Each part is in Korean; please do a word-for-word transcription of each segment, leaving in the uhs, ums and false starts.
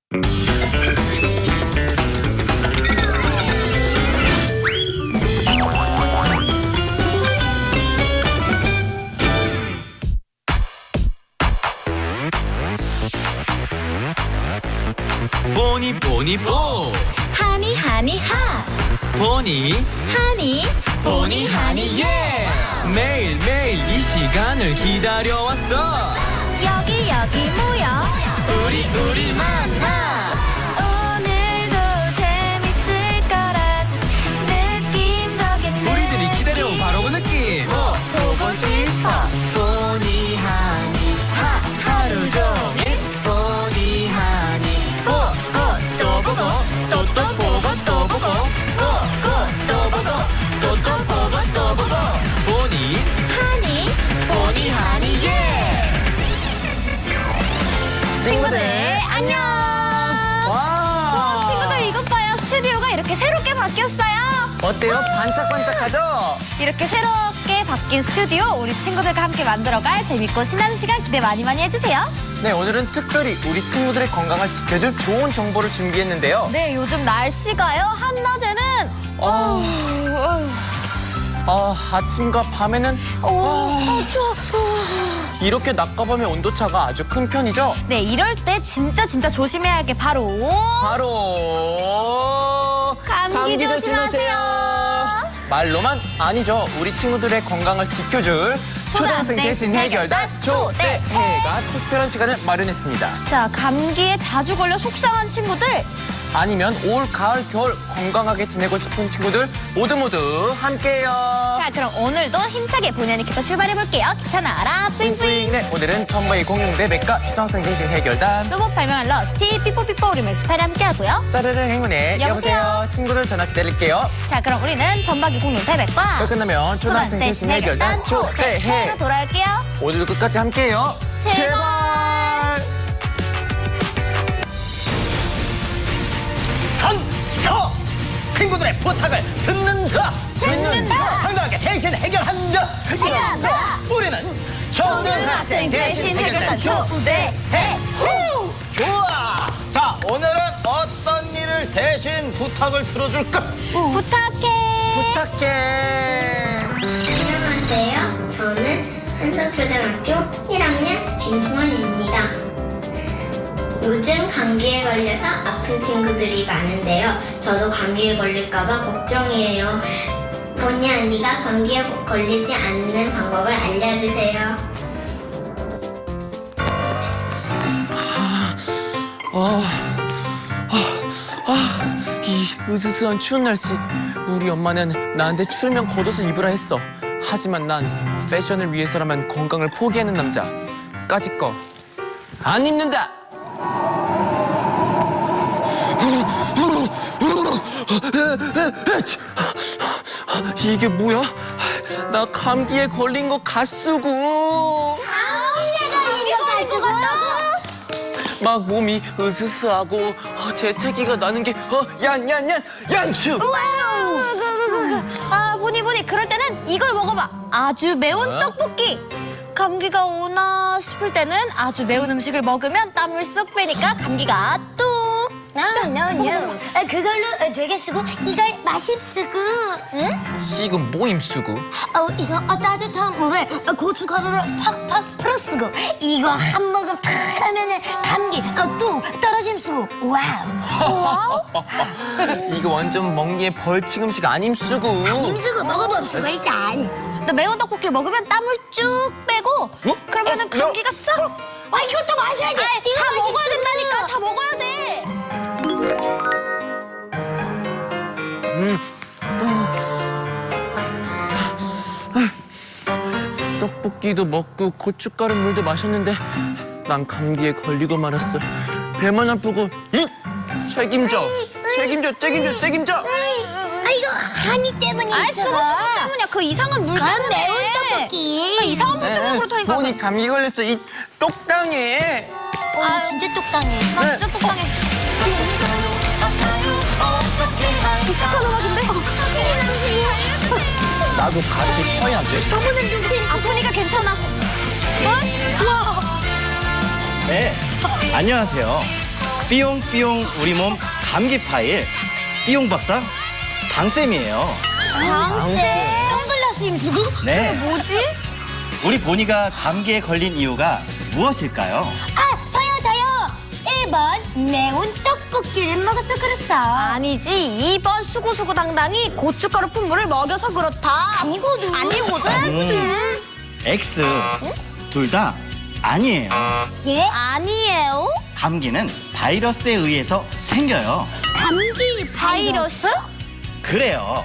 보니 보니 보 하니 하니 하 보니 하니 보니 하니 예 매일 매일 이 시간을 기다려왔어. 여기 여기 모여 우리 우리 만나 오늘도 재밌을 거란 느낌적인 우리들이 기다려온 바로 그 느낌. 보고 싶어 보니 하니 하 하루 종일 보니 하니 보고 또 보고 또 또 보고 또 보고 보고 또 보고 또 또 보고 또 보고 보니 하니 보니 하니 예 친구들 안녕. 와 친구들 이것 봐요. 스튜디오가 이렇게 새롭게 바뀌었어요. 어때요? 반짝반짝하죠? 이렇게 새롭게 바뀐 스튜디오 우리 친구들과 함께 만들어갈 재밌고 신나는 시간 기대 많이 많이 해주세요. 네, 오늘은 특별히 우리 친구들의 건강을 지켜줄 좋은 정보를 준비했는데요. 네, 요즘 날씨가요. 한낮에는 어, 어우, 아, 아침과 밤에는 어우, 어, 추워. 이렇게 낮과 밤의 온도차가 아주 큰 편이죠? 네, 이럴 때 진짜 진짜 조심해야 할 게 바로 바로 감기 조심하세요. 말로만 아니죠. 우리 친구들의 건강을 지켜줄 초등학생 대신 해결단 초대해가 특별한 시간을 마련했습니다. 자, 감기에 자주 걸려 속상한 친구들 아니면 올, 가을, 겨울 건강하게 지내고 싶은 친구들 모두 모두 함께해요. 자, 그럼 오늘도 힘차게 본연이부터 출발해볼게요. 귀찮아라 뿌잉뿌잉. 네, 오늘은 천바이 공룡대 백과 초등학생 대신 해결단 로봇 발명한 러스티 삐뽀삐뽀 우리 맥스파일 함께하고요. 따르릉 행운의 여보세요? 여보세요. 친구들 전화 기다릴게요. 자, 그럼 우리는 전박이 공룡 대백과 또 끝나면 초등학생 대신 해결단 초대해. 로 돌아올게요. 오늘도 끝까지 함께해요. 제발. 선서 친구들의 부탁을 듣는다 듣는다. 당당하게 대신 해결한다 해결한다. 우리는 초등학생 대신 해결단 초대해 후! 좋아. 자, 오늘은 어떤 일을 대신 부탁을 들어줄까? 부탁해. 부탁해. 안녕하세요. 저는 한석초등학교 일 학년 진중원입니다. 요즘 감기에 걸려서 아픈 친구들이 많은데요. 저도 감기에 걸릴까봐 걱정이에요. 본의 아니가 감기에 걸리지 않는 방법을 알려주세요. 아, 아, 아, 이 으스스한 추운 날씨. 우리 엄마는 나한테 추우면 겉옷을 입으라 했어. 하지만 난 패션을 위해서라면 건강을 포기하는 남자. 까짓 거 안 입는다. 이게 뭐야? 나 감기에 걸린 거 가쓰고 막 몸이 으스스하고 어, 재채기가 나는 게 어, 얀얀얀 얀추. 아, 보니 보니 그럴 때는 이걸 먹어봐. 아주 매운 어? 떡볶이. 감기가 오나 싶을 때는 아주 매운 음식을 먹으면 땀을 쏙 빼니까 감기가 뚝. 노노노 그걸로 되겠쓰고 이걸 마십쓰고 응? 지금 모임 쓰고 어 이거 어, 따뜻한 물에 어, 고춧가루를 팍팍 풀어쓰고 이거 한 모금 탁 하면은 감기 어, 뚝 떨어짐 쓰고 와우 이거 완전 멍게 벌칙 음식 아님 쓰고. 임쓰고 먹어봅시고 일단 나 매운 떡볶이를 먹으면 땀을 쭉 빼고 어? 그러면은 어, 감기가 싹. 와 이것도 마셔야 돼 아이, 이거 다 마십쓰고. 먹어야 된다니까. 다 먹어야 돼. 음. 떡볶이도 먹고 고춧가루 물도 마셨는데 난 감기에 걸리고 말았어. 배만 아프고 이 책임져 책임져 책임져 책임져. 아 이거 한이 때문이 아이, 있어 수고 수고 때문이야. 그 이상한 물 그건 때문에. 매운 떡볶이 그 이상한 물 때문에 그렇다니까. 보니 감기 걸렸어. 이 똑당해. 어, 나 진짜 똑당해 나 진짜 똑당해. 독특한 음악인데? 나도 같이 쳐야 돼. 저분은 누구세요? 아프니까 괜찮아. 어? 와. 네, 안녕하세요. 삐용삐용 우리 몸 감기 파일 삐용 박사 당쌤이에요. 당세 선글라스 임수구? 네. 뭐지? 우리 보니가 감기에 걸린 이유가 무엇일까요? 아 저요 저요 일 번 매운 떡볶이를 먹어서 그렇다. 아니지. 이 번 수구수구당당이 고춧가루 분무를 먹여서 그렇다. 아니거든. 아니거든. 음, X 둘 다 아니에요. 예? 아니에요. 감기는 바이러스에 의해서 생겨요. 감기 바이러스? 그래요.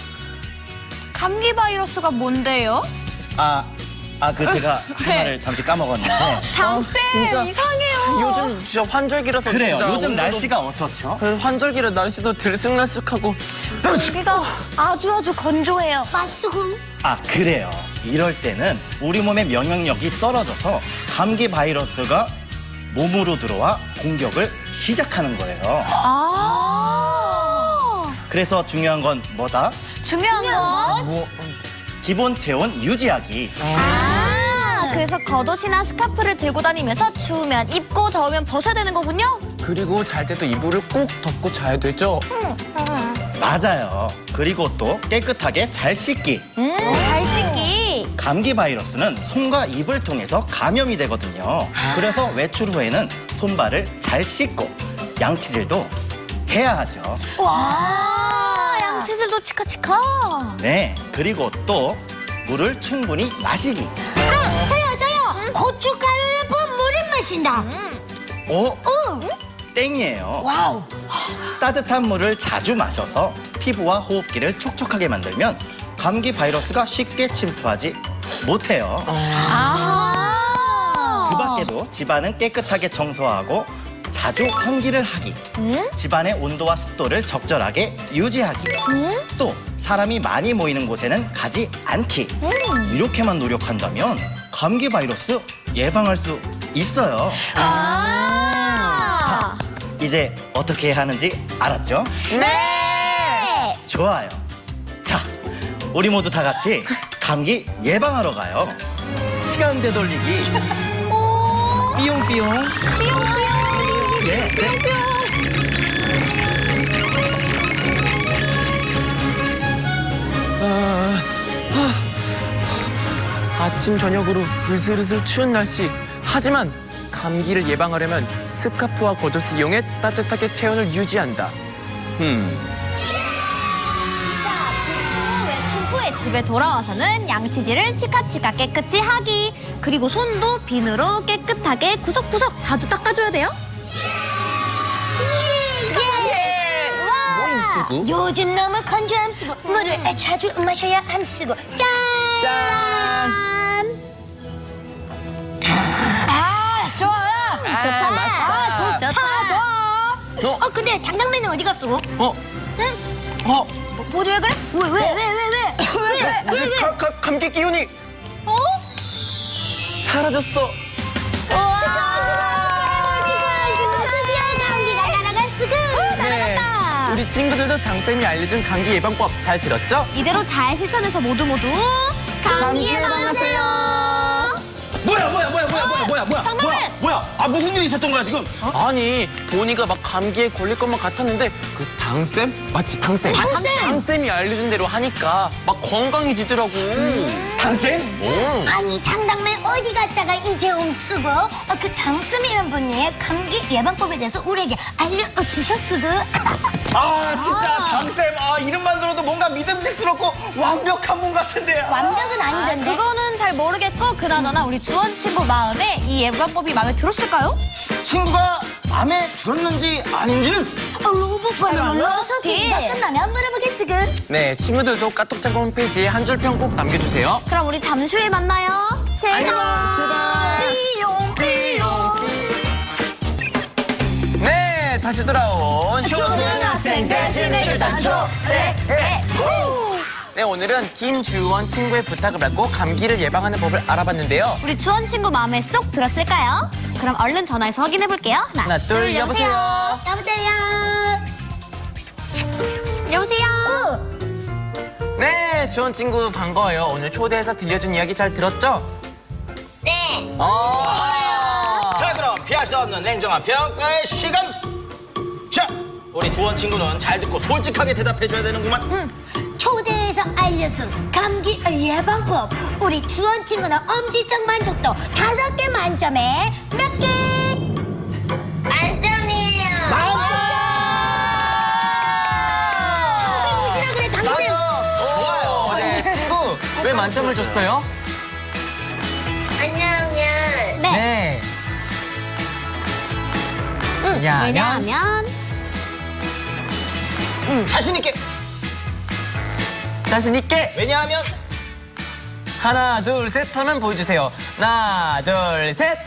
감기 바이러스가 뭔데요? 아, 아 그 제가 할 말을 잠시 까먹었는데. 당쌤 진짜. 이상해요. 요즘 진짜 환절기라서 그래요. 진짜 요즘 오늘도- 날씨가 어떻죠? 그 환절기라 날씨도 들쑥날쑥하고 여기가 아주 아주 건조해요. 맛수구. 아, 그래요. 이럴 때는 우리 몸의 면역력이 떨어져서 감기 바이러스가 몸으로 들어와 공격을 시작하는 거예요. 아. 그래서 중요한 건 뭐다? 중요한 건. 뭐 기본 체온 유지하기. 아, 그래서 겉옷이나 스카프를 들고 다니면서 추우면 입고 더우면 벗어야 되는 거군요. 그리고 잘 때도 이불을 꼭 덮고 자야 되죠. 맞아요. 그리고 또 깨끗하게 잘 씻기. 음, 잘 씻기. 감기 바이러스는 손과 입을 통해서 감염이 되거든요. 그래서 외출 후에는 손발을 잘 씻고 양치질도 해야 하죠. 와, 양치질도 치카치카. 네, 그리고 또 물을 충분히 마시기. 아 저요 저요 고춧가루를 본 물을 마신다. 어? 응. 땡이에요. 와우. 따뜻한 물을 자주 마셔서 피부와 호흡기를 촉촉하게 만들면 감기 바이러스가 쉽게 침투하지 못해요. 아. 그 밖에도 집안은 깨끗하게 청소하고 자주 환기를 하기, 집안의 온도와 습도를 적절하게 유지하기, 또 사람이 많이 모이는 곳에는 가지 않기. 이렇게만 노력한다면 감기 바이러스 예방할 수 있어요. 아. 이제 어떻게 해야 하는지 알았죠? 네. 좋아요. 자, 우리 모두 다 같이 감기 예방하러 가요. 시간 되돌리기. 오. 삐용삐용. 삐용삐용. 네, 네. 아, 아, 아침 저녁으로 으슬으슬 추운 날씨. 하지만 감기를 예방하려면 스카프와 겉옷을 이용해 따뜻하게 체온을 유지한다. 음. 외출 후에 집에 돌아와서는 양치질을 치카치카 깨끗이 하기. 그리고 손도 비누로 깨끗하게 구석구석 자주 닦아줘야 돼요. 쓰고? 요즘 너무 건조 함수고 물을 자주 마셔야 함수고 짠. 짠! 아 좋아. 좋다. 아 좋다. 좋다. 좋아. 어? 어 근데 당당맨은 어디 갔어? 어? 어? 뭐지 왜 그래? 왜 왜 왜 왜 왜? 왜 왜 왜? 가, 가, 감기 기운이 어? 사라졌어. 네. 우리 친구들도 당쌤이 알려준 감기 예방법 잘 들었죠? 이대로 잘 실천해서 모두 모두 감기 예방하세요. 뭐야, 뭐야, 뭐야, 뭐야, 뭐야, 뭐야, 뭐야, 장난해! 뭐야, 뭐야? 아, 무슨 일이 있었던 거야 지금? 아니 보니가 막 감기에 걸릴 것만 같았는데 그 당쌤? 맞지 당쌤? 당쌤! 당쌤이 알려준 대로 하니까 막 건강해지더라고. 당쌤? 오. 아니 당당맨 어디 갔다가 이제 옴쓰고 어, 그 당쌤이란 분이 감기 예방법에 대해서 우리에게 알려주셨으고 아, 진짜 당쌤. 아, 이름만 들어도 뭔가 믿음직스럽고 완벽한 분 같은데요. 완벽은 아니던데. 그거는 잘 모르겠고 그나저나 우리 주원 친구 마음에 이 예방법이 마음에 들었을까요? 친구가 마음에 들었는지 아닌지는 어, 로봇번호 눌러서 네. 뒤가 끝나면 물어보겠으군. 네 친구들도 까똑짱 홈페이지에 한 줄 평 꼭 남겨주세요. 그럼 우리 잠시 후에 만나요. 제발. 삐용 삐용. 네 다시 돌아온 초등학생 대신 해결단 초대. 네 오늘은 김주원 친구의 부탁을 받고 감기를 예방하는 법을 알아봤는데요. 우리 주원 친구 마음에 쏙 들었을까요? 그럼 얼른 전화해서 확인해 볼게요. 하나 둘 여보세요. 여보세요. 여보세요. 네 주원 친구 반가워요. 오늘 초대해서 들려준 이야기 잘 들었죠? 네. 어. 자, 그럼 피할 수 없는 냉정한 평가의 시간 우리 주원 친구는 잘 듣고 솔직하게 대답해줘야 되는구만. 초대에서 알려준 감기 예방법. 우리 주원 친구는 엄지척 만족도 다섯 개 만점에 몇 개? 만점이에요. 무시라 그래 당신. 좋아요. 네, 친구 왜 만점을 줬어요? 왜냐하면 네. 왜냐하면 자신 있게. 자신 있게 왜냐하면 하나 둘 셋 하면 보여주세요. 하나 둘 셋.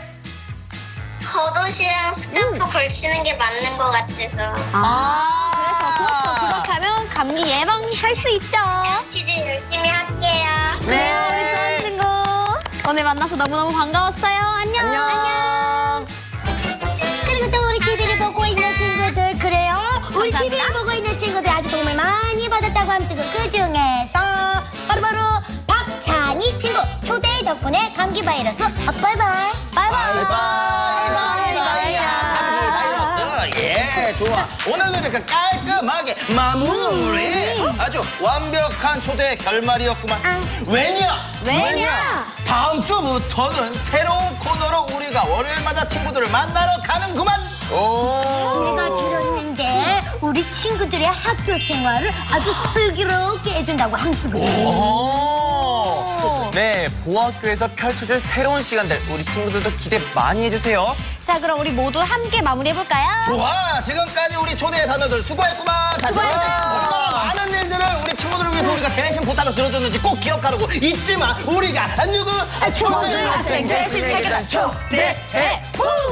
겉옷이랑 스카프 걸치는 게 맞는 것 같아서 아, 그래서 그렇죠. 그렇게 하면 감기 예방할 수 있죠. 치즈 열심히 할게요. 네, 우리 좋은 친구 오늘 만나서 너무너무 반가웠어요. 안녕. 안녕. 그리고 또 우리 티비를 보고 있는 친구들 그래요. 우리 티비를 보고 있는 친구들 아주 도움을 많이 받았다고 함쓰고 그 중에서 바로바로 박찬희 친구 초대 덕분에 감기 바이러스 어, 바이바이. 바이바이. 바이바이야. 감기 바이러스. 예, 좋아. 오늘도 이렇게 깔끔하게 마무리. 아주 완벽한 초대 결말이었구만. 왜냐? 왜냐? 다음 주부터는 새로운 코너로 우리가 월요일마다 친구들을 만나러 가는구만. 오. 내가 들었는데 우리 친구들의 학교 생활을 아주 슬기롭게 해준다고 함쓰고. 오. 네, 보학교에서 펼쳐질 새로운 시간들 우리 친구들도 기대 많이 해주세요. 자, 그럼 우리 모두 함께 마무리해볼까요? 좋아. 지금까지 우리 초대 단어들 수고했구만. 다시 얼마나 많은 일들을 우리 친구들을 위해서 우리가 대신 부탁을 들어줬는지 꼭 기억하라고. 잊지 마. 우리가 누구? 초등학생 대신 해결한 초대해.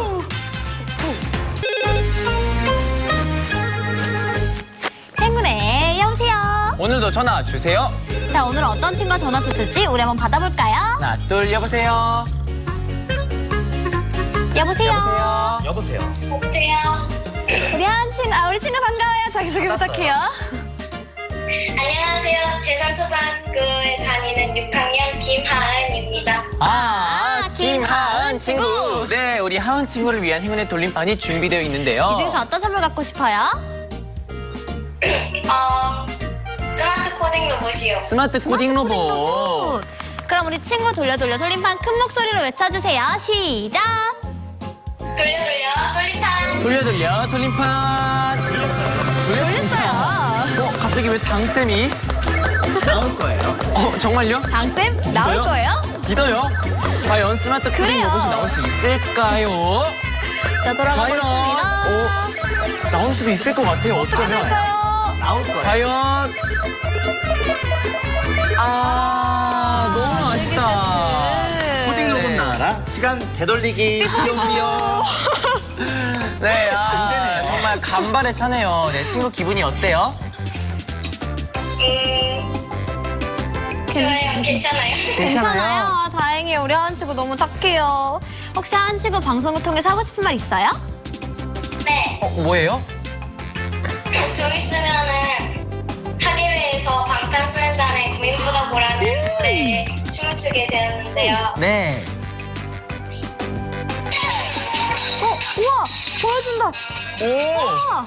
행운의 여보세요. 오늘도 전화 주세요. 자, 오늘 어떤 친구가 전화 주실지 우리 한번 받아볼까요? 하나 둘 여보세요. 여보세요. 여보세요. 여보세요. 여보세요. 우리 한 친구, 아, 우리 친구 반가워요. 자기소개 반갑어요. 부탁해요. 안녕하세요. 제삼초등학교에 다니는 육 학년 김하은입니다. 아, 김하은 김하은 친구. 친구. 네, 우리 하은 친구를 위한 행운의 돌림판이 준비되어 있는데요. 이 중에서 어떤 선물 갖고 싶어요? 어, 스마트 코딩 로봇이요. 스마트 코딩 로봇. 그럼 우리 친구 돌려 돌려 돌림판 큰 목소리로 외쳐주세요. 시작. 돌려 돌려 돌림판. 돌려 돌려 돌림판. 돌렸습니다. 돌렸어요. 어, 갑자기 왜 당쌤이? 나올 거예요. 어, 정말요? 당쌤 나올 믿어요? 거예요? 믿어요. 과연 스마트 코딩 그래요. 로봇이 나올 수 있을까요? 자, 돌아가 과연? 보겠습니다. 어, 나올 수도 있을 것 같아요. 어쩌면. 어떨까요? 나올 거예요. 과연? 아, 너무 아쉽다. 코딩 로봇 네. 나와라. 시간 되돌리기. 삐용삐용. 네, 아, 정말 간발의 차네요. 네, 친구 기분이 어때요? 음, 좋아요. 괜찮아요. 괜찮아요. 다행이에요. 우리 하은 친구 너무 착해요. 혹시 하은 친구 방송을 통해서 하고 싶은 말 있어요? 네. 어, 뭐예요? 좀 있으면은 학예회에서 방탄소년단의 고민보다 보라는 노래에 춤을 추게 되었는데요. 네. 어, 우와, 보여준다. 오! 우와.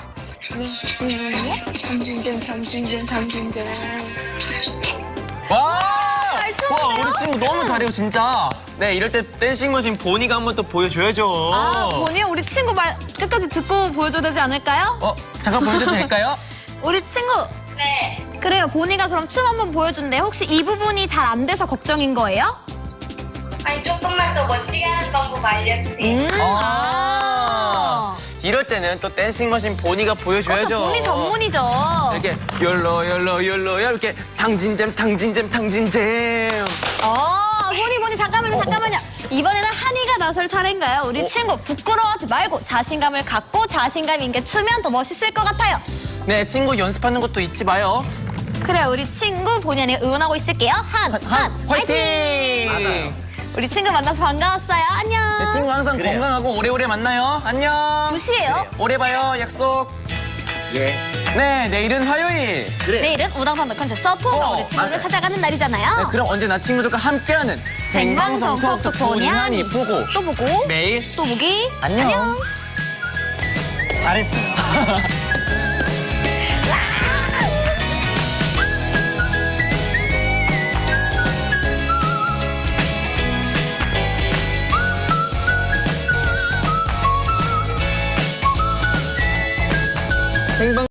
와! 잘 추는데요? 와, 우리 친구 너무 잘해요, 진짜. 네, 이럴 때 댄싱머신 보니가 한번 또 보여줘야죠. 아, 보니 우리 친구 말 끝까지 듣고 보여줘야 되지 않을까요? 어, 잠깐 보여줘도 될까요? 우리 친구, 네. 그래요. 보니가 그럼 춤 한번 보여준대. 혹시 이 부분이 잘 안 돼서 걱정인 거예요? 아니 조금만 더 멋지게 하는 방법 알려주세요. 음. 아. 이럴 때는 또 댄싱머신 보니가 보여줘야죠. 그렇죠. 보니 전문이죠. 이렇게 열로 열로 열로 이렇게 탕진잼 탕진잼 탕진잼. 어, 보니 보니 잠깐만요, 잠깐만요. 이번에는 한이가 나설 차례인가요? 우리 어? 친구 부끄러워하지 말고 자신감을 갖고 자신감 있게 추면 더 멋있을 것 같아요. 네, 친구 연습하는 것도 잊지 마요. 그래, 우리 친구 본의 아니게 응원하고 있을게요. 한, 한, 한, 화이팅! 맞아요. 우리 친구 만나서 반가웠어요. 안녕. 네, 친구 항상 그래요. 건강하고 오래오래 만나요. 안녕. 무시해요. 오래 봐요. 약속. 예. 네, 내일은 화요일. 그래. 내일은 우당탕 콘서트 서포 어, 우리 친구를 맞아요. 찾아가는 날이잖아요. 네, 그럼 언제나 친구들과 함께하는 생방송 톡톡 보니 하니 보고 또 보고 매일 또 보기 안녕. 잘했어요. 생방